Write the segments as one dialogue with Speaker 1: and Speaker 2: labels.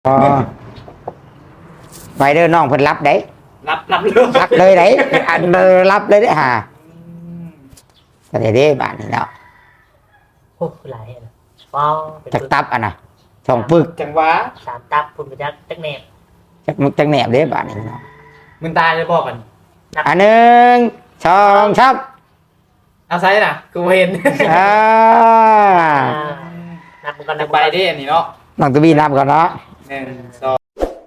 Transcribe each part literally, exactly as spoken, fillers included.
Speaker 1: อ๋อไปเด้อน้องเพิ่นรับได้
Speaker 2: รับรับเลย
Speaker 1: รับเลยได้อันเด้อรับเลยได้อห่าก็ได้เด้บาดนี้เนาะ
Speaker 3: โอ้หลายนะว้าวเป็น
Speaker 1: จัก
Speaker 3: ปึก
Speaker 1: ตับอ่ะนะสองปึก
Speaker 2: จังหวะ
Speaker 3: สามตับคุณไปจักจักแหนบ
Speaker 1: จักมึกจักแหนบเด้บาดนี้เนาะ
Speaker 2: มึงตายเลยบอกกัน
Speaker 1: อันหนึ่งสองชับ
Speaker 2: เอาไซส์น่ะกูเห็น
Speaker 1: อ่า
Speaker 3: อ่านับมันก่อนนั
Speaker 2: จะ
Speaker 3: บ
Speaker 2: ไป
Speaker 3: มันก่อน
Speaker 2: ดิอันนี้เนาะ
Speaker 1: น้องตัวบีนับก่อนเนาะ
Speaker 2: หนึ่งสอง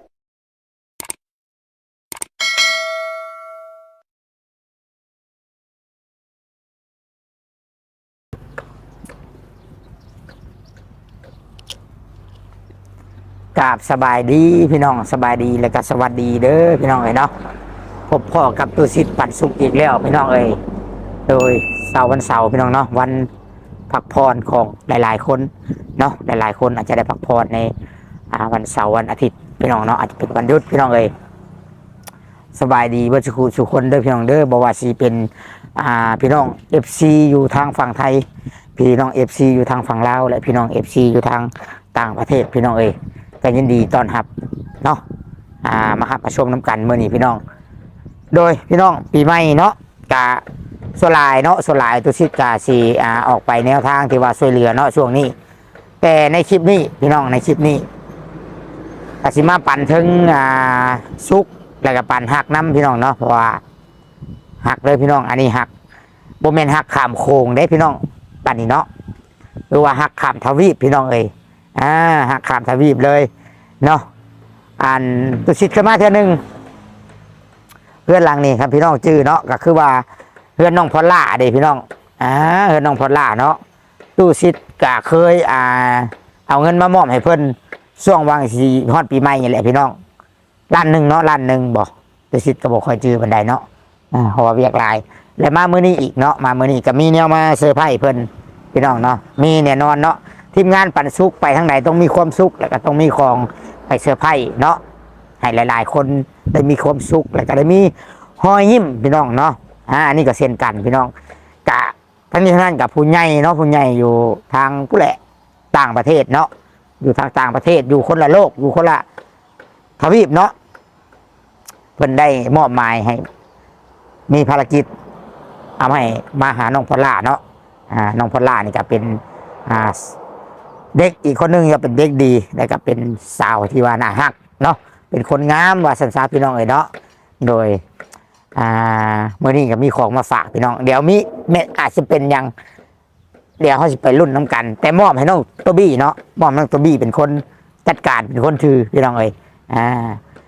Speaker 1: กราบสบายดีพี่น้องสบายดีแล้วก็สวัสดีเด้อพี่น้องเอ้ยเนาะพบพ่อกับตัวสิทธิ์ปันสุขอีกแล้วพี่น้องเอ้ยโดยเสาร์วันเสาร์พี่น้องเนาะวันพักผ่อนของหลายๆคนเนาะหลายๆคนอาจจะได้พักผ่อนในอ่าวันเสาร์วันอาทิตย์พี่น้องเนาะอาจจะเป็นวันหยุดพี่น้องเอ้ยสบายดีเบ่สุขสุขคนเด้อพี่น้องเด้อบ่ว่าสิเป็นอ่าพี่น้อง เอฟ ซี อยู่ทางฝั่งไทยพี่น้อง เอฟ ซี อยู่ทางฝั่งลาวและพี่น้อง เอฟ ซี อยู่ทางต่างประเทศพี่น้องเอ้ยก็ยินดีต้อนรับเนาะอ่ามาหับมาชมน้ำกันมื้อนี้พี่น้อง โดยพี่น้องปีใหม่เนาะกะส่วนหลายเนาะส่วนหลายตุสิกาสีอ่าออกไปแนวทางที่ว่าช่วยเหลือเนาะช่วงนี้ แต่ในคลิปนี้พี่น้องในคลิปนี้กสิมาปั่นถึงอ่าซุกแล้วก็ปั่นหักน้ำพี่น้องเนาะเพราะว่าหักเลยพี่น้องอันนี้หักโบเมนหักขามโค้งได้พี่น้องปั่นนี่เนาะหรือว่าหักขามทวีปพี่น้องเอ้ยอ่าหักขามทวีปเลยเนาะอันตุสิขึ้นมาเท่านึง เพื่อนหลังนี่ครับพี่น้องจื้อเนาะก็คือว่าเพื่อนน้องพอลล่าเด้พี่น้องอ่าเพื่อนน้องพอลล่าเนาะตู้ซิดก็เคยอ่าเอาเงินมามอบให้เพื่อนช่วงวางสีฮอดปีใหม่นี่แหละพี่น้องล้านหนึ่งเนาะล้านหนึ่งบอกตู้ซิดก็บอกคอยจื้อบันไดเนาะอ่าเพราะว่าเวียกหลายและมามื้อนี้อีกเนาะมามื้อนี้ก็มีแนวมาเซอร์ไพรส์เพื่อนพี่น้องเนาะมีแน่นอนเนาะทีมงานปันสุกไปทางไหนต้องมีความสุขแล้วก็ต้องมีของไปเซอร์ไพรส์เนาะให้หลาย ๆ คนได้มีความสุขแล้วก็ได้มีหอยยิ้มพี่น้องเนาะ อ่าอันนี้ก็เช่นกันพี่น้องกะทั้งนี้ทั้งนั้นกับผู้ใหญ่เนาะผู้ใหญ่อยู่ทางผู้แหละต่างประเทศเนาะอยู่ทางต่างประเทศอยู่คนละโลกอยู่คนละทวีปเนาะเพิ่นได้มอบหมายให้มีภารกิจเอาให้มาหาน้องพอลล่าเนาะอ่าน้องพอลล่านี่ก็เป็นอ่าเด็กอีกคนนึงก็เป็นเด็กดีแล้วก็เป็นสาวที่ว่าน่ารักเนาะเป็นคนงามว่าสันสาพี่น้องเอ๋ยเนาะโดยอ่าเมื่อนี้ก็มีของมาฝากพี่น้องเดี๋ยวมีเม็ดอาจจะเป็นยังเดี๋ยวเขาจะไปรุ่นน้ำกัน แต่มอบให้น้องตัวบี้เนาะมอบน้องตัวบี้เป็นคนจัดการเป็นคนถือพี่น้องเอ้ยอ่า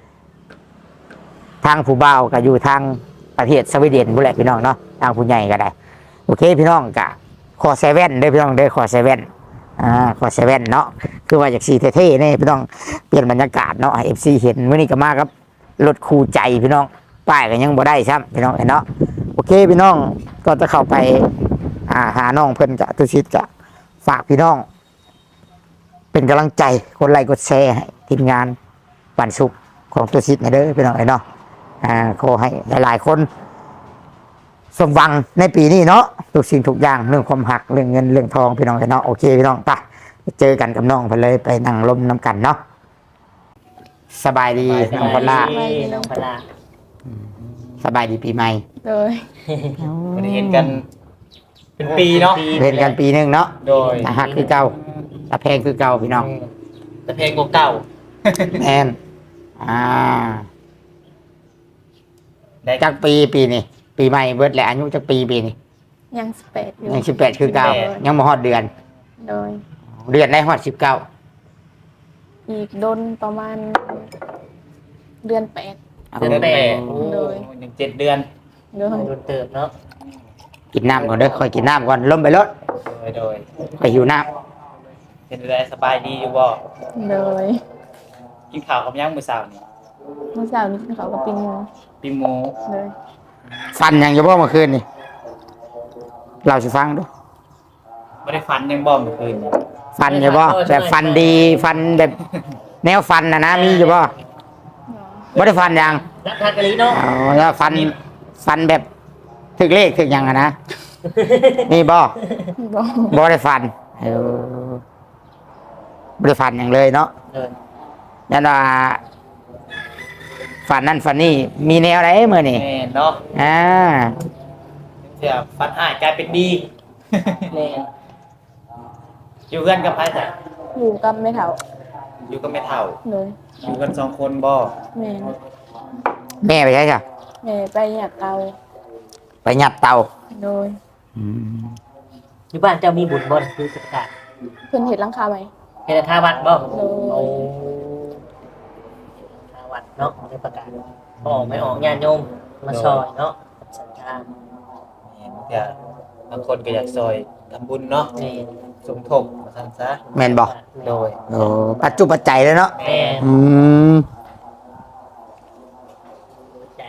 Speaker 1: ทางผู้บ่าวก็อยู่ทางประเทศสวีเดนบุแหละพี่น้องเนาะทางผู้ใหญ่ก็ได้โอเคพี่น้องกะขอเซเว่นเด้อพี่น้องเด้อขอเซเว่นอ่าขอเซเว่นเนาะคือว่าจากสีเท่ๆนี่พี่น้องเปลี่ยนบรรยากาศเนาะเอฟซีเห็นเมื่อนี้ก็มาครับรถคู่ใจพี่น้องป้ายก็ยังบ่ได้ใช่ไหมพี่น้องเนาะโอเคพี่น้องก็จะเข้าไปอ่าหาน้องเพิ่นจะตุชิดจะฝากพี่น้อง เป็นกำลังใจคนไลค์กดแชร์ให้ทีมงานปันสุขของตุชิดเด้อพี่น้องเนาะอ่าขอให้หลายๆคนสมหวังในปีนี้เนาะทุกสิ่งทุกอย่างเรื่องความหักเรื่องเงินเรื่องทองพี่น้องเนาะโอเคพี่น้องไปเจอกันกับน้องไปเลยไปนั่งลมน้ำกันเนาะสบายดีน้องพอลล่า
Speaker 3: น้องพลา
Speaker 1: สบายดีปีใหม่
Speaker 4: โดย
Speaker 2: ไม่ได้เห็นกันเป็นปีเนาะ
Speaker 1: เล่นกันปีหนึ่งเนาะ
Speaker 2: โดย
Speaker 1: ตาหักคือเก่าตาแพงคือเก่าพี่น้อง
Speaker 2: แต่เพลงเก่า
Speaker 1: แอนอ่าจักปีปีนี่ปีใหม่เบิดแหละอายุจักปีปีนี่
Speaker 4: ยังสเปดอยู่
Speaker 1: ยังสิบแปดคือเก่ายังบ่ฮอดเดือน
Speaker 4: โดย
Speaker 1: เดือนได้ฮอดสิบเก้า
Speaker 4: อีกโดนประมาณ เดือนแปด
Speaker 2: ๆเดือนแปดโอ้
Speaker 4: โดย
Speaker 2: หนึ่งเจ็ดเดือน
Speaker 4: โดย
Speaker 3: โดนเติบเนาะ
Speaker 1: กินน้ำก่อนเด้อค่อยกินน้ำก่อนล้มไปรถ
Speaker 2: โดยโดย
Speaker 1: ไปหิวน้
Speaker 2: เป็นอะไรสบายดีอยู่บ่
Speaker 4: โดย
Speaker 2: กินข้าวกับย่างมื้อเช้านี่
Speaker 4: เมื่อเช้านี้เขาก็ปิ้งหมู
Speaker 2: ปิ้งหมู
Speaker 4: โดย
Speaker 1: ำฟันยังจะบ่เมื่อคืนนี่เราสิฟังดู
Speaker 2: ไม่ได้ฟันยังบ่เมื่อคืนนี่
Speaker 1: ฟันอยู่บ่แบบฟันดีฟันแบบแนวฟันนะนะมีอยู่บ่บ่ได้ฟันยัง
Speaker 3: รักทากะลีเนาะ
Speaker 1: อ๋อแล้วฟันฟันแบบถึกเลขถึกหยังอะนะนี่บ่
Speaker 4: บอก
Speaker 1: บ่ได้ฟันเออบ่ได้ฟันอย่างเลยเนาะ
Speaker 3: เดิน
Speaker 1: ยันว่าฝันนั่นฝันนี่มีแนวอะไรมื้อนี่
Speaker 2: แม่นเนาะ
Speaker 1: อ่า
Speaker 2: เสียฟันหายกลายเป็นดี
Speaker 3: แม่น
Speaker 2: อยู่กันกับใครจ้ะ
Speaker 4: อยู่กับไม่เฒ่า
Speaker 2: อยู่กับแม่เฒ่า
Speaker 4: โดย
Speaker 2: อยู่กันสองคนบ่
Speaker 4: แม่
Speaker 1: แม่ไปใช่จ้ะ
Speaker 4: แม่ไปอยากเอา
Speaker 1: ไปหยัดเตา
Speaker 4: โดย
Speaker 1: อืม
Speaker 3: อยู่บ้านเจ้ามีบุญบ่คือประกาศ
Speaker 4: เพิ่นเห็ดหลังคาไหม
Speaker 3: เฮ็ดทาวัดบ่
Speaker 4: โด
Speaker 3: โอ้
Speaker 4: ย
Speaker 3: ทาวัดเนาะในประกาศออกไม่ออกญาติโยมมาซอยเนาะสัญญา
Speaker 2: แม่นเสียบางคนก็อยากซอยทำบุญเนาะ
Speaker 3: แม่น
Speaker 2: สมทบมาซั่นซะ
Speaker 1: แม่นบ่
Speaker 2: โดย
Speaker 1: โอ้ปัจจุปัจจัยเลยเนาะ
Speaker 3: แม่น
Speaker 1: อืม
Speaker 3: ใจ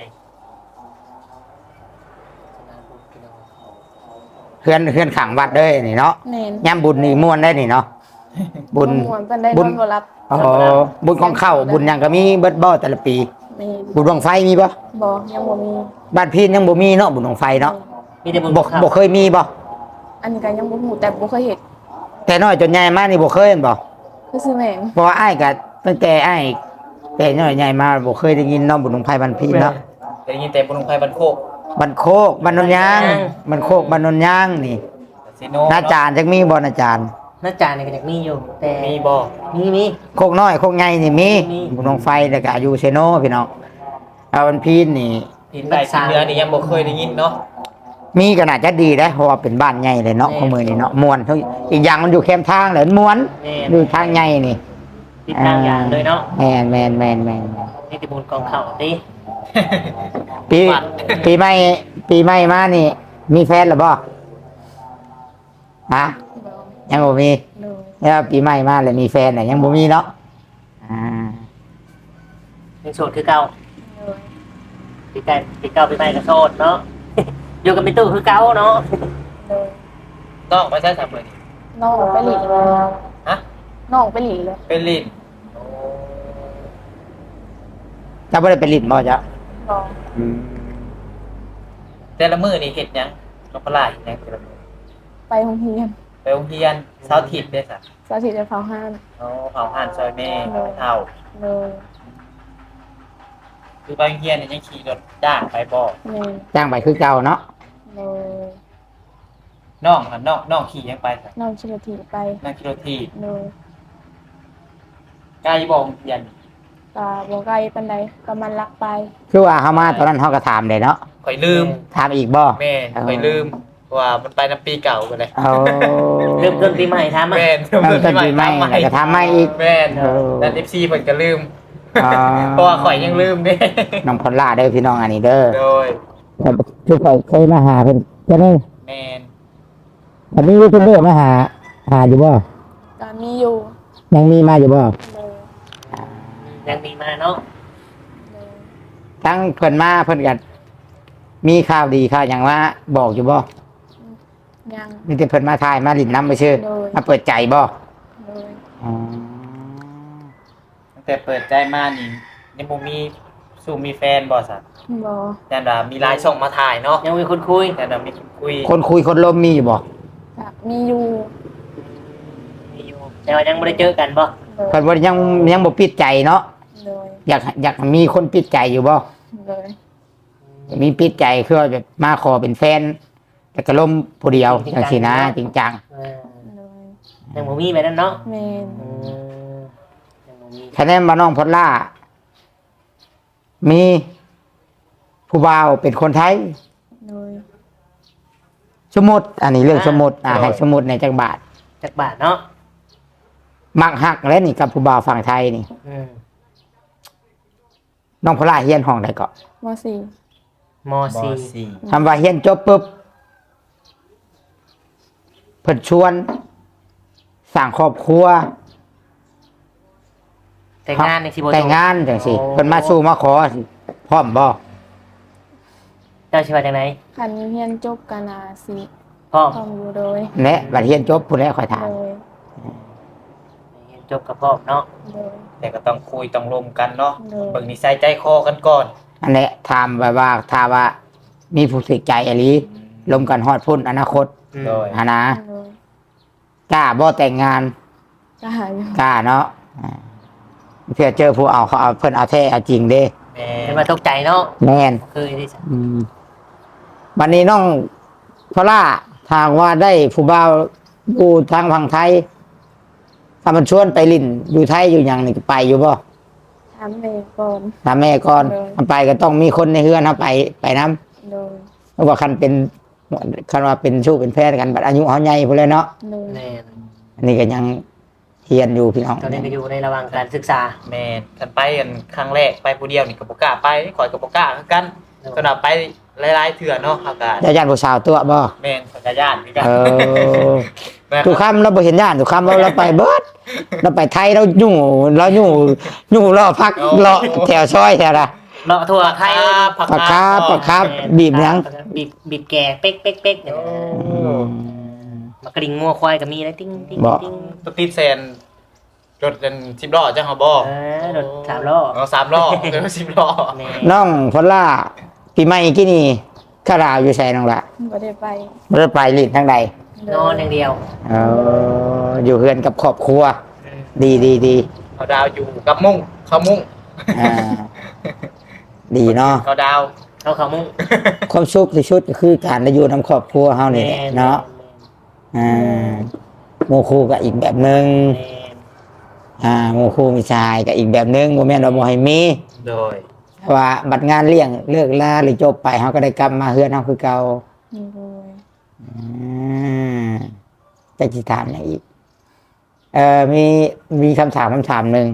Speaker 1: เฮือนเฮือนขังวัดเด้อนี่เนาะ
Speaker 4: แม่น
Speaker 1: ย่ำบุญนี่ม่วนได้นี่เนาะบุญ
Speaker 4: ม่วนเพิ่นได้
Speaker 1: บุ
Speaker 4: น
Speaker 1: ญ
Speaker 4: อนบ่รับ
Speaker 1: โอ้โหบุญของเข้าบุญหยังก็มีเบิดบ่แต่ละปี
Speaker 4: แม่น
Speaker 1: บุญดวงไฟมีบ่
Speaker 4: บ่ยังบ่มี
Speaker 1: บ้านพี่ยังบ่มีเนาะบุญดวงไฟเนาะ
Speaker 3: มีแต่บุญ
Speaker 1: บ่
Speaker 3: เข้า
Speaker 1: บ่เคยมีบ่
Speaker 4: อันนี้ก็ยังบ่ฮู้แต่บ่เคยเฮ็ด
Speaker 1: แต่น้อยจนใหญ่มานี่บ่เคยเห็นบ่
Speaker 4: คือซื้อแม่น
Speaker 1: เพราะว่าอ้ายก็ตั้งแต่อ้ายแต่น้อยใหญ่มาบ่เคยได้ยินเนาะบุญดวงไฟบ้านพี่เนาะ
Speaker 2: ได้ยินแต่บุญลงไฟบันโคก
Speaker 1: บ้านโคกบ้านนนยางบ้านโคกบ้านนนยางนี่
Speaker 2: ซิโน
Speaker 1: นาจารย์จักมีบ่นาจารย์
Speaker 3: น่าจานนี่ก็อยากมีอยู่ แต่
Speaker 2: มีบ่
Speaker 3: มีมี
Speaker 1: โคกน้อยโคกใหญ่นี่มี
Speaker 3: มี
Speaker 1: บุญดวงไฟแล้วก็อยู่เซโนพี่น้องเอาวันพีนนี่
Speaker 2: ทินใต้ทินเหนือนี่ยังบ่เคยได้ยินเนาะ
Speaker 1: มีก็น่าจะดีได้เพราะว่าเป็นบ้านใหญ่เลยเนาะของมือนี่เนาะมวนทุกอีกอย่างมันอยู่แคมทางเลยมวน
Speaker 3: แม่น
Speaker 1: อยู่ทางใหญ่นี่
Speaker 3: ติดทางอย่างเลยเนาะ
Speaker 1: แมนแมนแมนแมน
Speaker 3: นี่แต่บุญกองเข้าติ
Speaker 1: ปี
Speaker 3: วัด
Speaker 1: ปีใหม่ปีใหม่มานี่ มีแฟนหรือบ่ฮะ
Speaker 4: บ่
Speaker 1: ยังบ่มี
Speaker 4: โดย
Speaker 1: แล้วปีใหม่มาเลยมีแฟนน่ะยังบ่มีเนาะอ่า
Speaker 3: ยังโสดคือเก่า
Speaker 4: โดย
Speaker 3: ปีไก่ปีเก่าปีใหม่ก็โสดเนาะ อยู่กับมิตู้คือเก่าเนาะ
Speaker 4: โดย
Speaker 2: น้องไปใช้ทำเลยนี่
Speaker 4: น้องไปหลีเลย
Speaker 2: ฮะ
Speaker 4: น้องไปหลีเลย
Speaker 2: เป็นลิ้น
Speaker 1: จะบ่ได้ไปลิ้นบ่จ๊ะ
Speaker 4: บ่
Speaker 1: อืม
Speaker 2: แต่ละมื้อนี่เฮ็ดหยังนกพลายเฮ็ดหยังแต่ละมื้อ
Speaker 4: ไปโรงเรียน
Speaker 2: ไปโรงเรียนเช้าร์อาทิตย์เด้อซะ
Speaker 4: สาธิตจะเผาห้าน
Speaker 2: เอาเผาผ่านซอยแม่เฒ่า
Speaker 4: โดย
Speaker 2: คือไปโรงเรียนนี่ยังขี่รถจ้างไปบ่
Speaker 4: แม่น
Speaker 1: จ้างไปคือเก่าเนาะ
Speaker 4: โดย
Speaker 2: น้องหั่นน้องน้องขี่ยังไปซะ
Speaker 4: น้องชิลทีไป
Speaker 2: นั่งขี่รถที
Speaker 4: โดย
Speaker 2: ใกล้บ่โรงเรียน
Speaker 4: ตาบ่ไกลปานใดก็มันลักไป
Speaker 1: คือว่าเฮามาตอนนั้นเฮาก็ถามเลยเนาะ
Speaker 2: ข่อยลืม
Speaker 1: ถามอีกบ่
Speaker 2: แม่ข่อยลืมว่ามันไปน้ำปีเก่ากันเลย
Speaker 1: เอา
Speaker 3: เริ่มต้นปีใหม่ทำอ่ะ
Speaker 2: แม่น
Speaker 1: เริ่มต้นปีใหม่แล้วก็ถามใหม่อีก
Speaker 2: แม่น
Speaker 1: เออ
Speaker 2: แต่ เอฟ ซี เพิ่นก็ลืม
Speaker 1: อ่า
Speaker 2: เพราะว่าข่อยยังลืมเด้
Speaker 1: น้องพลล่าเด้อพี่น้องอันนี้เด้อ
Speaker 2: โดย
Speaker 1: แต่คือข่อยเคยมาหาเพิ่นจะได้
Speaker 2: แม่น
Speaker 1: อันนี้เพิ่นเด้อมาหาหาอยู่บ่
Speaker 4: ก็มีอยู่
Speaker 1: ยังมีมาอยู่บ่
Speaker 4: โดย
Speaker 3: ยังมีมาเนาะ
Speaker 4: โดย
Speaker 1: ทั้งเพิ่นมาเพิ่นก็มีข่าวดีข่าวหยังว่าบอกอยู่บ่
Speaker 4: ยัง
Speaker 1: มีแต่เพิ่นมาถ่ายมาลิ้นน้ำไปชื่อ
Speaker 4: โดย
Speaker 1: มาเปิดใจบ่
Speaker 4: โดย
Speaker 1: อ๋อ
Speaker 2: ตั้งแต่เปิดใจมานี่ยังบ่มีสู่มีแฟนบ่ซะ
Speaker 4: บ่
Speaker 2: แต่ว่ามีไลน์ส่งมาถ่ายเนาะ
Speaker 3: ยังมีคนคุย
Speaker 2: แต่ว่ามีคนคุย
Speaker 1: คนคุยคนลมมีอยู่บ่
Speaker 4: ก็มีอยู่
Speaker 3: มีอยู่แต่ว่ายังไม่ได้เจอกันป่ะ
Speaker 4: โดย
Speaker 1: เพิ่นบ่ยังยังบ่ปิดใจเนาะ
Speaker 4: โดย
Speaker 1: อยากอยากมีคนปิดใจอยู่บ่
Speaker 4: โดย
Speaker 1: มีปิดใจคือว่าแบบมาขอเป็นแฟนแต่ก็ล่มผู้เดียวจังซี่นะจริงจัง
Speaker 3: เออ
Speaker 4: โดย
Speaker 3: ยังบ่มีแบบนั้นเนาะ
Speaker 4: แม่น
Speaker 3: อืมยังบ่มี
Speaker 1: คะแนนมาน้องพลล่า มีผู้บ่าวเป็นคนไทย
Speaker 4: โดย
Speaker 1: สมมุติ อันนี้เรื่องสมมุติอ่าให้สมมุติในจักบาท
Speaker 3: จักบาทเนาะ
Speaker 1: มักฮักแล้วนี่กับผู้บ่าวฝั่งไทยนี่
Speaker 3: อืม
Speaker 1: น้องพลล่าเฮียนห้องใดก็
Speaker 4: มสี่
Speaker 3: ม
Speaker 2: บ่
Speaker 3: สี่
Speaker 2: สี่
Speaker 1: ทำว่าเฮียนจบปุ๊บเพิ่นชวนสร้างครอบครัว
Speaker 3: แต่งงานในสิบ่
Speaker 1: แต่งงานจังซี่เพิ่นมาสู่มาขอสิพร้อมบ่
Speaker 3: เจ้าชื่อว่าจังได
Speaker 4: คันเฮียนจบกันอาสิ
Speaker 3: พ่อ
Speaker 4: พร้อมอยู่โดย
Speaker 1: และบัดเฮียนจบผู้ใดค่อยถาม
Speaker 4: โดย
Speaker 3: เรียนจบกับพ่อเนาะ
Speaker 4: โดย
Speaker 2: แต่ก็ต้องคุยต้องรวมกันเนาะ
Speaker 4: โดย
Speaker 2: เบิ่งนิสัยใจคอกันก่อน
Speaker 1: อันนี้ถามแบบว่าถ้าว่ามีผู้สึกใจอหลีลมกันฮอดพุ่นอนาคต
Speaker 3: อืม
Speaker 2: โดย
Speaker 1: อานะ
Speaker 4: โดย
Speaker 1: กล้าบ่แต่งงาน
Speaker 4: ก็หาอยู่
Speaker 1: กล้าเนาะอ่าเพื่อเจอผู้เอาเขาเอาเพิ่นเอาแท้เอาจริงเด้
Speaker 2: แม่
Speaker 3: เป็นมาตกใจเนาะ
Speaker 1: แม่น
Speaker 3: เคยได้สัก
Speaker 1: อืมวันนี้น้องพอล่าทางว่าได้ผู้บ่าวอยู่ทางฝั่งไทยถ้ามันชวนไปลิ่นอยู่ไทยอยู่หยังนี่ไปอยู่บ่
Speaker 4: ถามแม่ก่อน
Speaker 1: ถามแม่ก่อน
Speaker 4: เลย
Speaker 1: มันไปก็ต้องมีคนในเฮือนเฮาไปไปนํ
Speaker 4: โดย
Speaker 1: เพราะว่าคันเป็นคันว่าเป็นชู้เป็นแฟนกันบัดอายุเฮาใหญ่พุ่นแล้วเนาะ
Speaker 4: โดย
Speaker 3: แม่น
Speaker 1: อันนี้ก็ยังเฮียนอยู่พี่น้อง
Speaker 3: ตอนนี้ก็อยู่ในระหว่างการศึกษา
Speaker 2: แม่นกันไปกันครั้งแรกไปผู้เดียวนี่ก็บ่กล้าไปข่อยก็บ่กล้าคือกันสำหรับไปหลายๆเทื่อเนาะอากาศ
Speaker 1: เจ้าญาติผู้สาวตัวบ่
Speaker 2: แม่นสัญญาณคือกัน
Speaker 1: เออ
Speaker 2: แม่น
Speaker 1: ทุกคำเราบ่เห็นญาติทุกคำเราเราไปเบิดเราไปไทยเราอยู่เราอยู่อยู่รอพักรอแถวซอยแถวละ
Speaker 3: เลาะทั่วไทย
Speaker 2: ผัก
Speaker 1: ปากคาบปากคาบ
Speaker 3: แม่น
Speaker 1: บีบหยัง
Speaker 3: บีบบีบแก่เป๊กเป๊กเป๊กเนี่ย
Speaker 2: โอ้
Speaker 3: มากระดิ่งงัวควายก็มีนะติ้งติ้ง
Speaker 1: บ่
Speaker 3: ติ้ง
Speaker 2: ตุ๊กติดแซนรถกันสิบล้อจังเฮาบ่
Speaker 3: เออรถสามล้อ
Speaker 2: เอาสามล้อเดี๋ยวสิบล้อ
Speaker 3: แม่
Speaker 1: น้องพอลล่าปีใหม่กี่นี่ข้าราวอยู่ใส่น้องละ
Speaker 4: บ่ได้ไป
Speaker 1: บ่ได้ไปลิ้นทางใด
Speaker 3: นอนอย่างเดียว
Speaker 1: เอออยู่เฮือนกับครอบครัว ดีดีดี
Speaker 2: เขาดาวอยู่กับมุ้งเขามุ้ง
Speaker 1: อ่าดีเนาะ
Speaker 2: เขาดาว
Speaker 3: เขาเขามุ่ง
Speaker 1: ความสุขที่สุดก็คือการได้อยู่นำครอบครัวเฮานี่แหละเนาะอ่าโมคูก็อีกแบบหนึง
Speaker 3: แม่
Speaker 1: อ่าโมคูมีชายก็อีกแบบหนึงบ่แม่นว่าบ่ให้มี
Speaker 2: โดย
Speaker 1: ว่าบัดงานเลี้ยงเลิกลาหรือจบไปเขาก็ได้กลับมาเฮือนเขาคือเก่า
Speaker 4: โดย
Speaker 1: อืมจะจิถามอย่างอีก เอ่อมีมีคำถามคำถามหนึ่ง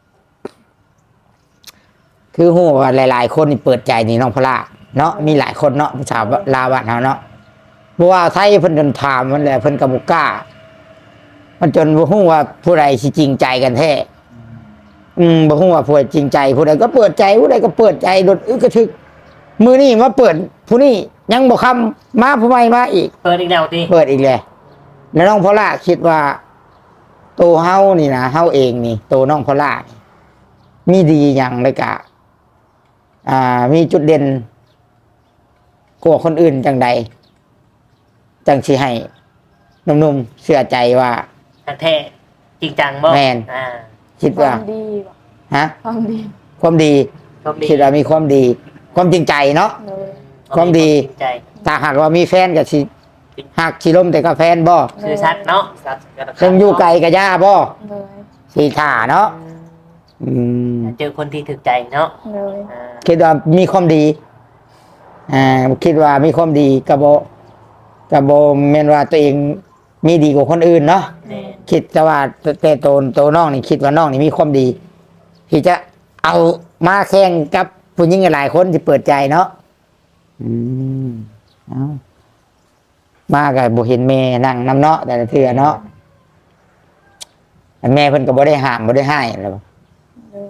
Speaker 1: คือหูว่าหลาย ๆ คนนี่เปิดใจนี่น้องพละเนาะมีหลายคนเนาะผู้สาวลาวบ้านเขาเนาะเพราะว่าไทยเพิ่นจนถามมันแหละเพิ่นกับบุกล้า มันจนบ่ฮู้ว่าผู้ใดสิจริงใจกันแท้ อืมบ่ฮู้ว่าผู้ใดจริงใจผู้ใดก็เปิดใจผู้ใดก็เปิดใจโดดอึกกระทึกมือนี่มาเปิด ผู้นี้ยังบ่คำมาผู้ใหม่มาอีก
Speaker 3: เปิดอีกแล้วดิ
Speaker 1: เปิดอีกเลยแล้วน้องพอล่าคิดว่าตัวเฮานี่นะเฮาเองนี่ตัวน้องพอล่านี่มีดีอย่างเลยกะ อ่า มีจุดเด่นกว่าคนอื่นจังใด จังสิให้หนุ่มๆเชื่อใจว่า
Speaker 3: ทักแท้จริงจังบ่
Speaker 1: แม่น
Speaker 3: อ่า
Speaker 1: คิด
Speaker 4: ควา
Speaker 1: ว่า
Speaker 4: มดีบ่
Speaker 1: ฮะ
Speaker 4: ความดี
Speaker 1: ความดี
Speaker 3: ชมดี
Speaker 1: คิดว่ามีความดี ความจริงใจเนาะ
Speaker 4: โดย
Speaker 1: ความดี
Speaker 3: จริงใจ
Speaker 1: ถ้าหากว่ามีแฟนก็สิหักสิลมแต่ก็แฟนบ่
Speaker 3: ชื่อชัดเนาะ
Speaker 2: สัตว์กัน
Speaker 1: ซึ่งอยู่ไกลกับย่าบ่
Speaker 4: โดย
Speaker 1: สีถ่าเนาะอืม
Speaker 3: เจอคนที่ถึกใจเนาะ
Speaker 4: โดย
Speaker 3: อ่า
Speaker 1: คิดว่ามีความดี อ่า คิดว่ามีความดีกระโบกระโบเมนว่าตัวเองมีดีกว่าคนอื่นเนาะ
Speaker 3: แม่น
Speaker 1: คิดแต่ว่าแต่โตนโตน้องนี่คิดว่าน้องนี่มีความดี ที่จะเอามาแข่งกับผู้หญิงหลายคนที่เปิดใจเนาะ อืมเอามากับบุเห็นแม่นั่งน้ำเนาะแต่ละเทื่อเนาะแต่แม่เพิ่นก็บ่ได้ห้ามบ่ได้ให้แล้ว
Speaker 4: โดย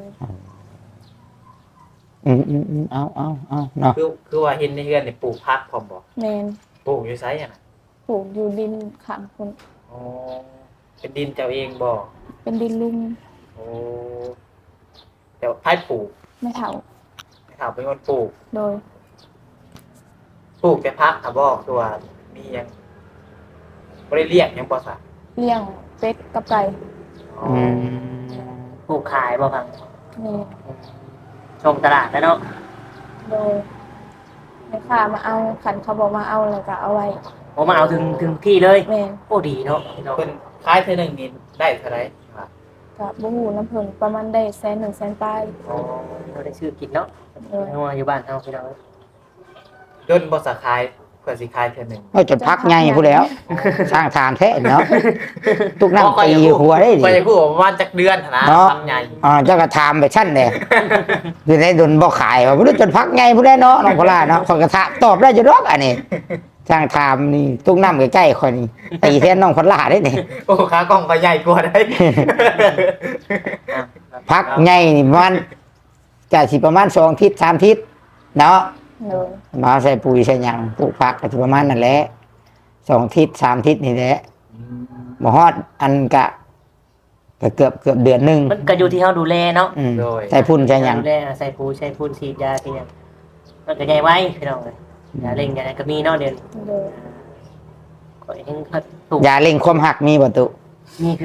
Speaker 1: อืมอืมอืมเอาเอาเอาเนาะ
Speaker 2: คือคือว่าเห็นในเฮือนนี่ปลูกพักพร้อมบ่
Speaker 4: แมน
Speaker 2: ปลูกอยู่ไสอ่ะนะ
Speaker 4: ปลูกอยู่ดินข้างคน
Speaker 2: อ๋อเป็นดินเจ้าเองบ่
Speaker 4: เป็นดินลุ่ม
Speaker 2: โอ้แต่ว่าไผปลูก
Speaker 4: ไม่เท่า
Speaker 2: ไม่ถามเป็นคนปลูก
Speaker 4: โดย
Speaker 2: ปลูกแต่พักอ่ะบ่คือว่ามีหยังบ่ได้เลี้ยงหยังบ่ซะ
Speaker 4: เลี้ยงเป็ดกับไก่
Speaker 2: อ๋อ
Speaker 1: อืม
Speaker 3: ปลูกขายบ่ครับ
Speaker 4: นี่
Speaker 3: ชมตลาดแล้วเนาะ
Speaker 4: โดยแม่ค้ามาเอาขันเขาบอกมาเอาแล้วก็เอาไว้
Speaker 3: ผมมาเอาถึงถึงที่เลย
Speaker 4: แม่น
Speaker 3: โอ้ดีเนาะพี่น้อง
Speaker 2: เพิ่นขายเทื่อหนึงนี่ได้เท่าไหร่ครับ
Speaker 4: กับบ่ฮู้น้ำเพิ่นประมาณได้แสนหนึ่งแสนปลาย
Speaker 2: อ๋อ
Speaker 3: เราได้ชื่อกินเนาะ
Speaker 4: โดย
Speaker 3: นัวอยู่บ้านเฮาพี่น้อง
Speaker 2: จนบ่สาขายเพื่อสิขายเทื่อหนึง
Speaker 1: เอาจนพักไงผู้แล้ว สร้างทานแท้เนาะทุกน้ำตีหัวได้ดิ
Speaker 2: ไปพูดว่าประมาณจักเดือนหั่นนะ
Speaker 1: เนาะ
Speaker 2: ทำใหญ่
Speaker 1: อ่าเจ้าก็ทำไปชั้นเลยอยู่ในดนบ่ขายว่าบ่รู้จนพักไงผู้ได้เนาะน้องพลาเนาะขอยกระทะตอบได้จะรอกอันนี้สร้างทามนี่ทุกน้ำใกล้ๆคอยนี่ตีแทนน้องพลาได้นี่
Speaker 2: โอ้ขากล้องก็ใหญ่กว่าได้
Speaker 3: อ่ะ
Speaker 1: พักไงนี่ประมันจะสิประมาณสองทิศสามทิศเนาะ
Speaker 4: โดย
Speaker 1: มาใส่ปุ๋ยใส่หยังปลูกผักก็สิประมาณนั่นแหละสองทิศสามทิศนี่แหละบ่ฮอดอันกะก็เกือบเกือบเดือนหนึง
Speaker 3: มันก็อยู่ที่เฮาดูแลเนาะ
Speaker 1: อืมใส่พุ่นใส่หยัง
Speaker 3: ดูแลใส่ปูใส่ปูนฉีดยาเพียงมันก็ใหญ่ไว้พี่น้องเลยยาเร่งยาอะไรก็มีเนาะเดี๋ยว
Speaker 4: โดย
Speaker 3: ก็ยังถูก
Speaker 1: ยาเร่งความหักมีบ่ตุ
Speaker 3: นี่คือกัน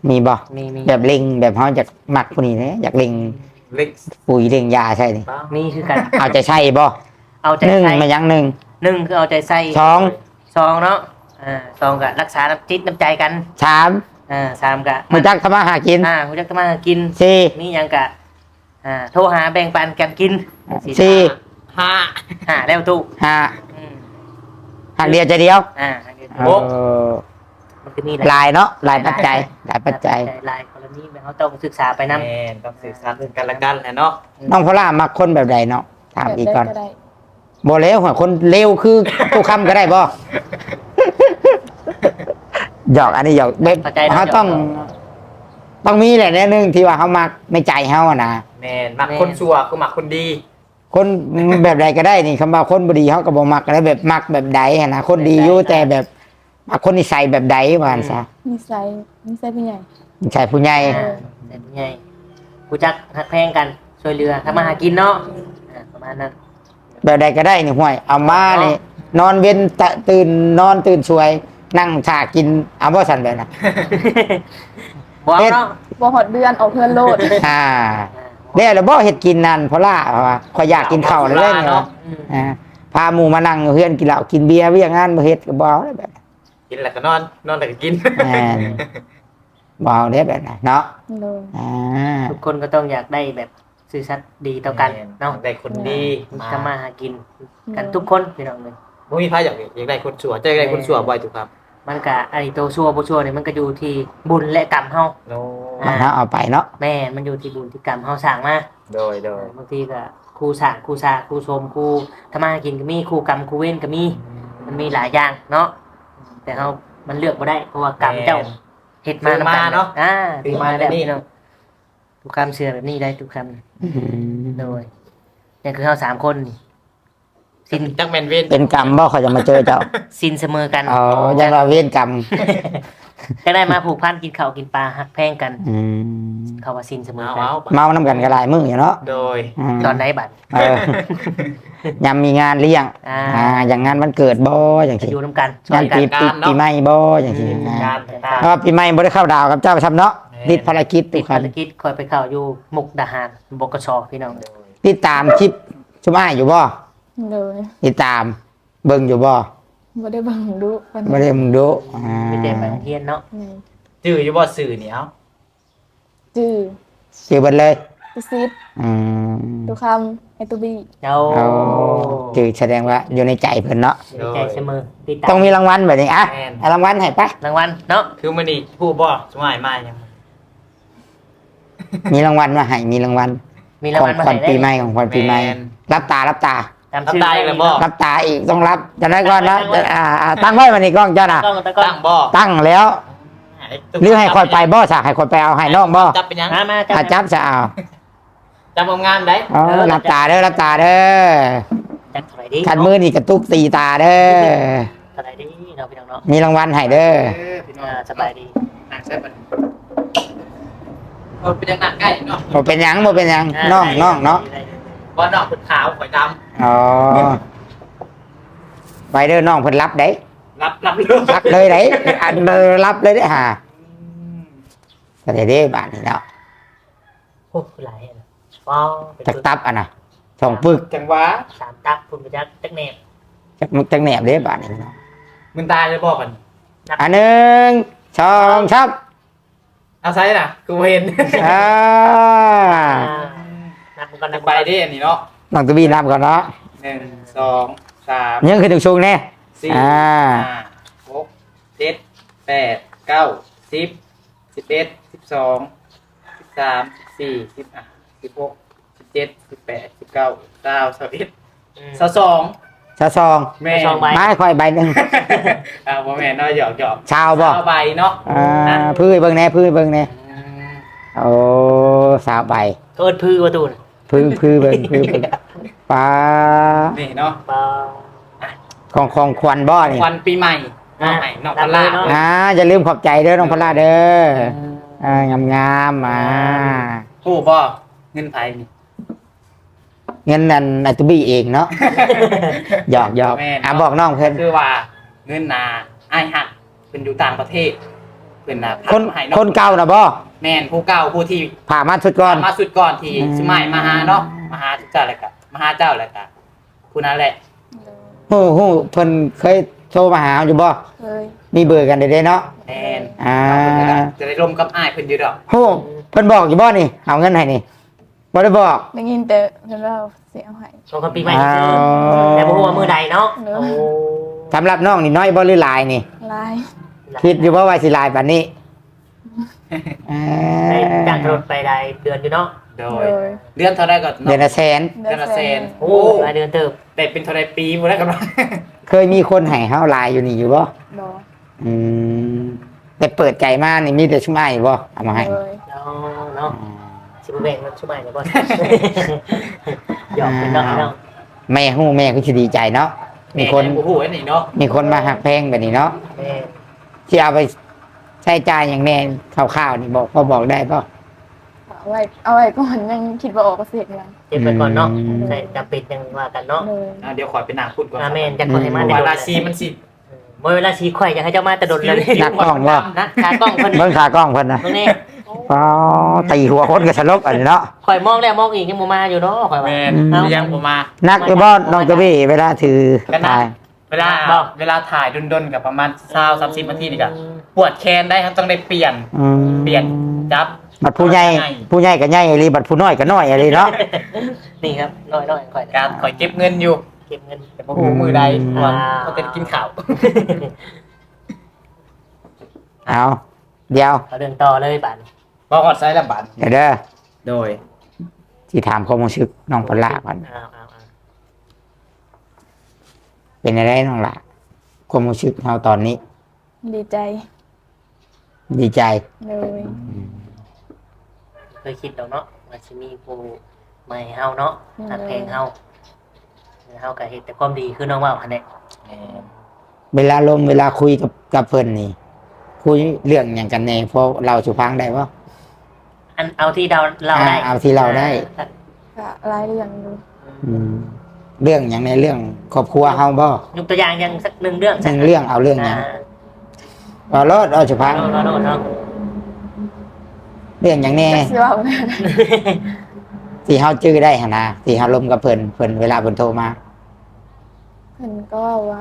Speaker 1: มีบ่
Speaker 3: มีมี
Speaker 1: แบบเล็งแบบเฮาอยากมักผู้นี้นะอยากเล็ง
Speaker 2: เล็ก
Speaker 1: ปุ๋ยเล็งยาใช่นี่
Speaker 3: มีคือกัน
Speaker 1: เอาใจใช่บ่
Speaker 3: เอาใจ
Speaker 1: หนึ่ง
Speaker 3: ใส่
Speaker 1: มายังหนึ่ง
Speaker 3: หนึ่งคือเอาใจใส่
Speaker 1: สอง
Speaker 3: สองเนาะอ่าสองก็รักษาน้ำจิตน้ำใจกัน
Speaker 1: สาม
Speaker 3: อ่าสามก็
Speaker 1: มาจักทำมาหากิน
Speaker 3: อ่าคุณจักรมากิน
Speaker 1: สี่
Speaker 3: มีหยังกะอ่าโทรหาแบ่งปันกันกิน
Speaker 1: สี่
Speaker 2: ห้า
Speaker 3: หาแล้วตู้
Speaker 1: ห้า
Speaker 3: อืม
Speaker 1: หักเดียวใจเดียว
Speaker 3: อ่า
Speaker 1: เออ
Speaker 3: มันก็มี
Speaker 1: หลายเนาะหลายปัจจัยหลายปัจจัย
Speaker 3: หลายกรณีแบบเขาต้องศึกษาไป
Speaker 2: แม่
Speaker 3: นำ
Speaker 2: นต้องสื่อสารถึงกันและกันแหละเนาะ
Speaker 1: น้องพล่ามักคนแบบใดเนาะถาม
Speaker 4: แบบ
Speaker 1: อีก
Speaker 4: ได้
Speaker 1: ก่อน
Speaker 4: ก็ได้
Speaker 1: บ่แล้วหัวคนเลวคือตู้คำก็ได้บ่หยอกอันนี้หยอกแบบเขาต้อง ต้องมีแหละแน่นึงที่ว่าเขามักในใจเขาอะนะ
Speaker 2: แม่นมักคนชั่วคือมักคนดี
Speaker 1: คนแบบใดก็ได้นี่คำว่าคนบดีเขาก็บ่มักแล้วแบบมักแบบใดอะนะคนดีอยู่แต่แบบมักคนนิสัยแบบใดว่าหั่นซะ
Speaker 4: นิสัยนิสัยผู้ใหญ่
Speaker 1: นิสัยผู้ใหญ่
Speaker 3: อ่าแต่เป็นไงกูจักหักแพงกันช่วยเหลือทำมาหากินเนาะอ่าประมาณนั้น
Speaker 1: แบบใดก็ได้นี่ห่วยเอามานี่นอนเว้นตะตื่นนอนตื่นช่วย นั่งถ่ากินเอาบ่สั่นแบบน่ะ
Speaker 3: บอกเนาะ
Speaker 4: บ่ฮอดเดือนออกเพื่อนโลด
Speaker 1: อ่าแล้วแล้วบ่เฮ็ดกินนั่นเพราะล่าว่าข่อยอยากกินข้าวเลยเลยเนี่ย
Speaker 3: อืม
Speaker 1: อ่าพาหมู่มานั่งเฮือนกินเหล้ากินเบียร์เวียงงานบ่เฮ็ดก็บ่เอาได้แบบ
Speaker 2: กินแล้วก็นอนนอนแล้วก็กิน
Speaker 1: แม่นบ่เอาได้แบบนั้นเนาะ
Speaker 4: เลย
Speaker 1: อ่า
Speaker 3: ทุกคนก็ต้องอยากได้แบบซื่อสัตย์ดีต่อกันเนาะ
Speaker 2: ได้คนดี
Speaker 3: ทำมาหากินกันทุกคนพี่น้องเลย
Speaker 2: บ่มีใครอยากอยากได้คนชั่วจะอยากได้คนชั่วบ่อยถูกครับ
Speaker 3: มันก็ไอ้ตัวชั่วบ่ชั่วเนี่ยมันก็อยู่ที่บุญและกรรมเฮา
Speaker 2: โน
Speaker 1: มันเอาเอาไปเนาะ
Speaker 3: แม่นมันอยู่ที่บุญที่กรรมเฮาสร้างมา
Speaker 2: โดยโดย
Speaker 3: บางทีก็ครูสร้างครูสร้างครูชมครูทำมาหากินก็มีครูกรรมครูเว้นก็มี มันมีหลายอย่างเนาะแต่เฮามันเลือกบ่ได้เพราะว่ากรรมเจ้าเฮ็ดมานำกันเนาะอ่าถือมาแบบนี้เนาะทุกคำเชื่อแบบนี้ได้ทุกคำโดยนี่คือเฮาสามคนนี่สิน
Speaker 2: จักแม่นเวน
Speaker 1: เป็นกรรมบ่เขาจะมาเจอเจ้า
Speaker 3: สินเสมอกัน
Speaker 1: อ๋อยังว่าเวรกรรม
Speaker 3: ก็ได้มาผูกพันกินข้าวกินปลาหักแพงกัน
Speaker 1: อืม
Speaker 3: เขาว่าสินเสมอ
Speaker 2: เอา
Speaker 3: กัน
Speaker 2: เอา
Speaker 1: เมาน้ำกันก็หลายมื้ออยู่เนาะ
Speaker 2: โดย
Speaker 1: ม
Speaker 3: ตอนไหนบัด
Speaker 1: เออยามมีงานเลี้ยง
Speaker 3: อ่า
Speaker 1: อ่าอย่างงานวันเกิดบ่อย่าง
Speaker 3: จะ
Speaker 1: ที่
Speaker 3: อยู่น้ำกันช่ว
Speaker 1: งาย น
Speaker 3: กัน
Speaker 1: ปีปีปีใหม่บ่อย่างที่นะ
Speaker 2: การตา
Speaker 1: เพราะว่าปีใหม่บ่ได้เข้าดาวกับเจ้าประจำเนาะติดภารกิจ
Speaker 3: ติ
Speaker 1: ทุ
Speaker 3: ด
Speaker 1: กครั
Speaker 3: ภา
Speaker 1: บ
Speaker 3: รกิจคอยไปเข้าอยู่มุกดาหารบกชพี่น้อง
Speaker 1: ติดตามคลิปชุมอ้ายอยู่บ่
Speaker 4: เลย
Speaker 1: ติดตามเบิ่งอยู่บ่
Speaker 4: บ่ได้เบังดูปาน
Speaker 1: บ่ได้มึงดูอ่า
Speaker 3: ไม่ได้ไปเทียนเนาะ
Speaker 4: แม่
Speaker 2: จื้ออยู่บ่สื่อนี่เอ้า
Speaker 4: จื้อ
Speaker 1: ชื่อเบิดเลย
Speaker 4: ตุซิด
Speaker 1: อืม
Speaker 4: ตุคำไอตุบี
Speaker 3: เจ้า
Speaker 1: เอาชื่อแสดงว่าอยู่ในใจเพิ่นเนาะ
Speaker 3: ดีใจเสมอติดตา
Speaker 1: ต้อง
Speaker 3: ม
Speaker 1: มีรางวัลแบบนี้อ่ะ
Speaker 2: แม่น
Speaker 1: เอารางวัลให้ไป
Speaker 3: รางวัลเนาะ
Speaker 2: คือมื้อนี้ผู้บ่สมัยมายัง
Speaker 1: มีรางวัลมาให้มีรางวัล
Speaker 3: มีราง
Speaker 1: ของ
Speaker 3: วัลมา
Speaker 1: ขวัญ
Speaker 3: ให้ได้
Speaker 1: ปีใหม่ของขวัญปีใหม่
Speaker 2: แม่น
Speaker 1: รับตารับตา
Speaker 3: จำชื่อ
Speaker 2: รับได้เลยบ่
Speaker 1: รับตาอีกต้องรับจะได้ก่อนนะจะอ่าอ่าตั้งไว้วันนี้กล้องเจ้าน่ะ
Speaker 3: ต้องตะก้อ
Speaker 2: ตั้
Speaker 3: น
Speaker 2: งบ่
Speaker 1: ตั้งแล้วหรือให้คอยไปบ่สากให้คอยไปเอาให้น้องบ่
Speaker 2: จับเป็นหยัง
Speaker 3: มามา
Speaker 1: อาจับจะเอา
Speaker 2: จับงามๆได้
Speaker 1: อ๋อรับตาเด้อรับตาเด้อ
Speaker 3: จัดเท่าไหร่ดี
Speaker 1: ขันมือนี่กระตุกตีตาเด้อ
Speaker 3: เท่าไหร่ดีเนาะพี่น้องเนาะ
Speaker 1: มีรางวัลให้เด้อ
Speaker 2: เออพี่น้อง
Speaker 3: อ่าสบายดี
Speaker 2: นั่งใช่บัดเออเป็นยังนั่งใกล้เนาะ
Speaker 1: บ่เป็นหยังบ่เป็นหยังน้องน้องเนาะ
Speaker 2: บ่น้องเพิ่นขาวข่อยดำ
Speaker 1: อ๋อไปเด้อน้องเพิ่นรับได้
Speaker 2: รับรับเลย
Speaker 1: รับเลยได้อันเบอร์รับเลยได้อห่าก็ได้เด้บาทนี่เนาะ
Speaker 3: โอ้หลายอันว้าวเป็น
Speaker 1: จัก
Speaker 3: ตัว
Speaker 1: ตับอ่ะนะสองปึก
Speaker 2: จังหวะ
Speaker 3: สามตักคุณไปจักจักแหนบ
Speaker 1: จักมึกจักแหนบเด้บาทนี่เนาะ
Speaker 2: มึงตายเลยบ่กัน
Speaker 1: อันหนึ่งสองชับ
Speaker 2: เอาไซส์น่ะกูเห็น
Speaker 1: อ่า
Speaker 3: นับกันนั
Speaker 2: นั
Speaker 3: บ
Speaker 2: กใบดิอันนี้เนาะ
Speaker 1: น้องตัวบีนับก่อนเนาะ
Speaker 2: หนึ่งสองสาม
Speaker 1: ยังคือถึงชูงแน่
Speaker 2: สี่
Speaker 1: อ่า
Speaker 2: ห้าหกเจ็ดแปดเก้าสิบสิบเอ็ดสิบสองสิบสามสิบสี่สิบอ่ะสิบหกสิบเจ็ดสิบแปดสิบเก้าเก้าสิบเอ็ดสิบสอง
Speaker 1: ชาซอง
Speaker 2: แม่
Speaker 3: สองใบ
Speaker 1: ไม้ค่อยใบหนึ่ง
Speaker 2: อ่าบ่แม่นเนาะหยอกหยอก
Speaker 1: ชาวบ่
Speaker 2: เอาใบเนาะ
Speaker 1: อ่าพื้นเบิ่งแน่พื้นเบิ่งแน่
Speaker 2: อืม
Speaker 1: โอ้สาวใบ
Speaker 3: เอิดพื้ประตูน
Speaker 1: พื้นพื้นเบิ่งพื้นเบิ่งปลา
Speaker 2: นี่เนาะ
Speaker 3: เปล่า
Speaker 1: ของของควันบ่นี่
Speaker 2: วันปีใหม่น้องใหม่น้องพลา
Speaker 3: รับเลยเนาะ
Speaker 1: อ่าอย่าลืมขอบใจเด้อน้องพลาเด้ออ่างามงามๆอ่า
Speaker 2: ผู้บ่เงินไผนี่
Speaker 1: เงินนั่นอัตบีเองเนาะหยอกหยอก
Speaker 2: แม่น
Speaker 1: อ่ะบอกน้องเพิ่น
Speaker 2: คือว่าเงินนาไอ้ายหัดเป็นอยู่ต่างประเทศเพิ่นน่ะ
Speaker 1: คน
Speaker 2: ให้
Speaker 1: คนเก่าน่ะบ่
Speaker 2: แม่นผู้เก่าผู้ที่
Speaker 1: ผ่ามาสุดก่อน
Speaker 2: มาสุดก่อนที่
Speaker 1: อืม
Speaker 2: สมัยมาหาเนาะมาหาเจ้าแหละก็มาหาเจ้าแหละก็ผู้นั้นแหละ
Speaker 4: โดย
Speaker 1: ฮู้ฮู้เพิ่นเคยโทรมาหาอยู่บ่
Speaker 4: เคย
Speaker 1: มีเบอร์กันได้ๆเนาะ
Speaker 2: แม่น
Speaker 1: อ่า
Speaker 2: จะได้ร่วมกับอ้ายเพิ่นอยู่ดอก
Speaker 1: ฮู้เพิ่นบอกอยู่บ่นี่เอาเงินให้นี่บ่ได้บอก
Speaker 4: ได้ยินแต่เพิ่นว่าเสียหาย
Speaker 3: ช่วงปีใหม่คือแต่บ่ฮู้ว่ามื้อใดเนาะ
Speaker 4: เนอะ
Speaker 3: โอ้
Speaker 1: สำหรับน้องนี่น้อยบ่หรือหลายนี่
Speaker 4: ลาย
Speaker 1: คิดอยู่บ่ว่าสิหลายปานนี้อ่า
Speaker 3: ได้จ้างรถไปได้เดือนอยู่เนาะ
Speaker 2: โด
Speaker 4: โด
Speaker 2: ย
Speaker 4: ย
Speaker 2: เดือนเท่าไรก็
Speaker 1: เดือนละแสน
Speaker 2: เดือนละแสน
Speaker 3: โอ้รายเดือนเติบ
Speaker 2: ได้เป็นเท่าไรปีบ่ได้กันว่า
Speaker 1: เคยมีคนให้เฮาหลายอยู่นี่อยู่บ่
Speaker 4: บ่
Speaker 1: อืมแต่เปิดใจมานี่มีแต่ชุ่มอ้ายบ่เอามาให้
Speaker 4: โดย
Speaker 3: เนาะเนาะสิบ่แบ่งมันชุบใหม่เลยบ่ หยอกเป็นเนาะเนาะ
Speaker 1: แม่ฮู้แม่ก็สิดีใจเนาะมีคน
Speaker 2: โอ้โหไอ้นี่เนาะ
Speaker 1: มีคนมาหักแพงแบบนี้เนาะ
Speaker 3: แม่
Speaker 1: ที่เอาไปใช้จ่ายอย่างแน่คร่าวๆนี่บอกพอบอกได้ป่ะ
Speaker 4: เอาไว้เอาไว้ก่อนยังคิดว่าออกเกษตรยัง
Speaker 3: เก็บไปก่อนเนาะ
Speaker 1: อืม
Speaker 3: ใช่จำเป็นจังว่ากันเนาะ
Speaker 4: โดย
Speaker 2: อ่ะเดี๋ยวขอไปนางพูดก่อน
Speaker 3: อาเมนจักคนให้มาแต่
Speaker 2: เว
Speaker 3: โดน
Speaker 2: ลาชีมันสิ
Speaker 3: เมื่อเวลาชีข่อยอยากให้เจ้ามาแต่โดนเลย
Speaker 1: นักกล้องว่า
Speaker 3: นะขากล้องเพิ่น
Speaker 1: เบิ่งขากล้องเพิ่นนะ
Speaker 3: ตรงนี้
Speaker 1: อ๋อตีหัวคนก็สลบอันนี้เนาะ
Speaker 3: ข่อยมองแล้วมองอีกยังบ่มาอยู่เนาะข่อยว่า
Speaker 2: แม่น
Speaker 3: เอ้า
Speaker 2: ยังบ่มา
Speaker 1: นักอยู่บ่น้องกระบี่เวลาถือ
Speaker 2: ก็นัก
Speaker 1: ถ่าย
Speaker 2: เวลา
Speaker 3: บอก
Speaker 2: เวลาถ่ายดนๆกับประมาณยี่สิบ สามสิบนาทีนี่ก็ปวดแขนได้ครับต้องได้เปลี่ยน
Speaker 1: อืม
Speaker 2: เปลี่ยนจับ
Speaker 1: บัดผู้ใหญ่ผู้ใหญ่ก็ใหญ่อีหลีบัดผู้น้อยก็น้อยอีหลีเนาะ
Speaker 3: นี่ครับน้อยๆข่อย
Speaker 2: การขอยเก็บเงินอยู่
Speaker 3: เก็บเงิน
Speaker 2: แต่บ่ฮู้มือใด
Speaker 1: อืม
Speaker 2: เพราะว่าเขาเป็นกินข้าว
Speaker 1: เอาเดี๋ยว
Speaker 3: เอาเดินต่อเลยบัด
Speaker 2: บ่ฮอดไซส์ละบาท
Speaker 1: เดี๋ยวเด้อ
Speaker 2: โดย
Speaker 1: ที่ถามความรู้สึกน้องปลาก่อน
Speaker 3: เอาเอาเอา
Speaker 1: เป็นอะไรน้องล่ะความรู้สึกเฮาตอนนี้
Speaker 4: ดีใจ
Speaker 1: ดีใจ
Speaker 4: โดย
Speaker 3: เคยคิดแล้วเนาะว่าสิมีผู้ใหม่เฮาเนาะหักเพลงเฮาเฮาก็เฮ็ดแต่ความดีคือน้องว่าหั่นแหละ
Speaker 1: เวลาลมเวลาคุยกับกับเพิ่นนี่ คุยเรื่องอย่างกันแน่เพราะเราสุพังได้ป่ะ
Speaker 3: อันเอาที่เราเราได้
Speaker 1: อ่าเอาที่เราได้
Speaker 4: ก็รายเรื่องอยู่
Speaker 1: อืมเรื่องอย่างในเรื่องครอบครัวเฮาบ่
Speaker 3: ยกตัวอย่างอย่างสักหนึ่งเรื่อง
Speaker 1: หนึ่งเรื่องเอาเรื่องอย่าง
Speaker 3: อ่า
Speaker 1: เอารอดเอาสุพัง
Speaker 3: เราเราเรา
Speaker 1: เรื่องอย่างแน่
Speaker 4: จักสิว่าแม่น
Speaker 1: ที่เฮาจื้อได้หั่นนะที่เฮาลมกับเพิ่นเพิ่นเวลาเพิ่นโทรมา
Speaker 4: เพิ่นก็ว่า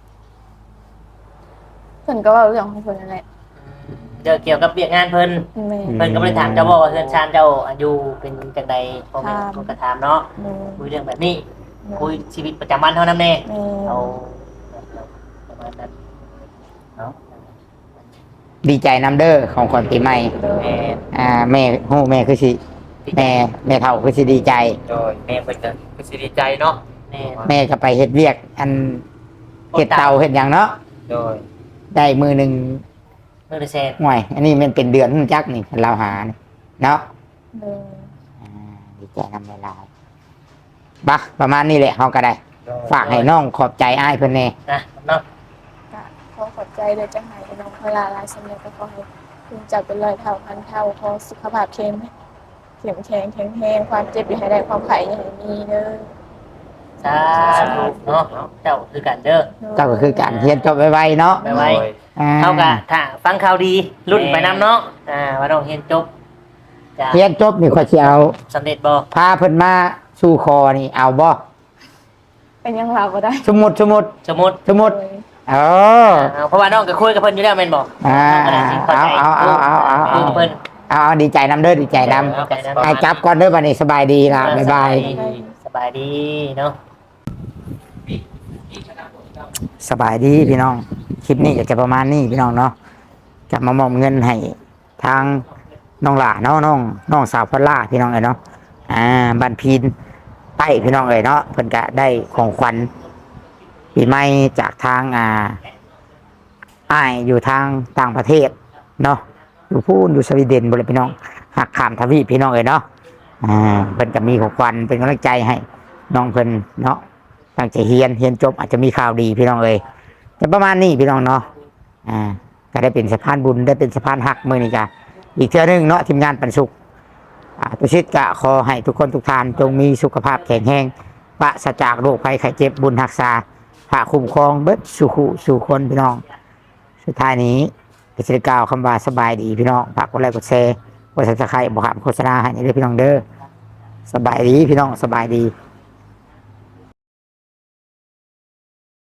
Speaker 4: เพิ่นก็เว่าเรื่องของเพิ่นนั่นแหละ
Speaker 3: เดี๋ยวเกี่ยวกับเบียกงานเพิ่น
Speaker 4: แม่
Speaker 3: เพิ่นก็บ่ได้ถามเจ้าบ่ว่าเพื่อนชานเจ้าอายุเป็นจังใดพ่อแม่เพิ่นก็ถามเนาะ
Speaker 4: โดย
Speaker 3: คุยเรื่องแบบนี้คุยชีวิตประจำวันเท่านั้นแน่
Speaker 4: แม่
Speaker 3: เอาประมาณนั้นเนาะ
Speaker 1: ดีใจนำเด้อของขวัญปีใหม่
Speaker 4: โดย
Speaker 3: แม่
Speaker 1: อ่าแม่ฮู้แม่คือสิแม่แม่เฒ่าคือสิดีใจ
Speaker 2: โดยแม่เพิ่นก็คือสิดีใจเนาะ
Speaker 3: แม่
Speaker 1: แม่ก็ไปเฮ็ดเวียก อันเฮ็ดเตาเฮ็ดหยังเนาะ
Speaker 2: โดย
Speaker 1: ได้มือหนึง
Speaker 3: มื้อละแสน
Speaker 1: ห่วย อันนี้มันเป็นเดือนจักนี่เราหานี่เนาะ
Speaker 4: โดย
Speaker 1: อ่าดีใจนำเวลาบะประมาณนี้แหละเฮาก็ได้
Speaker 2: โดย
Speaker 1: ฝากให้น้องขอบใจอ้ายเพิ่นแน่
Speaker 3: นะเนาะ
Speaker 4: ก็ขอขอบใจเลยจังไห้น้องเวลาหลายสำเร็จก็ขอให้คุณจับเป็นร้อยเท่าพันเท่าขอสุขภาพเข้มเข้มแข็งแข็งแรงความเจ็บอย่าให้ได้ความไข่อย่าให้มีเด้อ
Speaker 3: สาธุเนาะเจ้าคือกันเด้อ
Speaker 1: เจ้าก็คือการเรียนจบไวๆเนาะ
Speaker 3: ไปไว้
Speaker 2: โดย
Speaker 1: อ่
Speaker 3: เท่ากับถ้าฟังข่าวดีรุ่นไปนํเนาะอ่าว่าน้องเรียนจบจะ
Speaker 1: เรียนจบนี่ข้อยสิเอา
Speaker 3: สำเร็จบ่
Speaker 1: พาเพิ่นมาสู่คอนี่เอาบ่
Speaker 4: เป็นยังเราก็ได้
Speaker 1: สมมุติสมมุติ
Speaker 3: สมมุติ
Speaker 1: สมมุติ
Speaker 4: โดย
Speaker 1: เออ
Speaker 3: อ่าเพราะว่าน้องก็คุยกับเพิ่นอยู่แล้วแม่นบ่
Speaker 1: อ่า
Speaker 3: น้องก็ได้สิเข้าใจ
Speaker 1: เอาเอาเอาเอาเอา
Speaker 3: คุยกับเพิ่น
Speaker 1: เอาเอาดีใจนำเด้อดีใจนำ
Speaker 3: เข้าใจนะ
Speaker 1: ไอ้จับก่อนเด้อบัดนี้สบายดีล่ะบ๊ายบาย
Speaker 3: สบายดีเนาะ
Speaker 1: สบายดีพี่น้อง คลิปนี้อยากจะประมาณนี้พี่น้องเนาะจะมามอบเงินให้ทางน้องหล่าเนาะน้องน้องสาวพลล่าพี่น้องเอ้ยเนาะอ่าบ้านพีนใต้พี่น้องเอ้ยเนาะเพิ่นก็ได้ของขวัญปีใหม่จากทางอ่าอ้ายอยู่ทางต่างประเทศเนาะอยู่พูนอยู่สวีเดนบ่เลยพี่น้องหักข้ามทวีปพี่น้องเอ้ยเนาะอ่าเพิ่นก็มีของขวัญเป็นกำลังใจให้น้องเพิ่นเนาะตั้งใจเรียนเรียนจบอาจจะมีข่าวดีพี่น้องเอ้ยแต่ประมาณนี้พี่น้องเนาะอ่าก็ได้เป็นสะพานบุญได้เป็นสะพานหักมื้อนี้จ้ะอีกเทื่อหนึงเนาะทีมงานปันสุขอ่าตุชิตกะขอให้ทุกคนทุกท่านจงมีสุขภาพแข็งแรงปราศจากโรคภัยไข้เจ็บบุญรักษาพระคุ้มครองเบิดสุขุสู่คนพี่น้องสุดท้ายนี้ก็สิได้กล่าวคำว่าสบายดีพี่น้องฝากกดไลค์กดแชร์กด Subscribe บ่ขาดโฆษณาให้นี่เด้อพี่น้องเด้อสบายดีพี่น้องสบายดี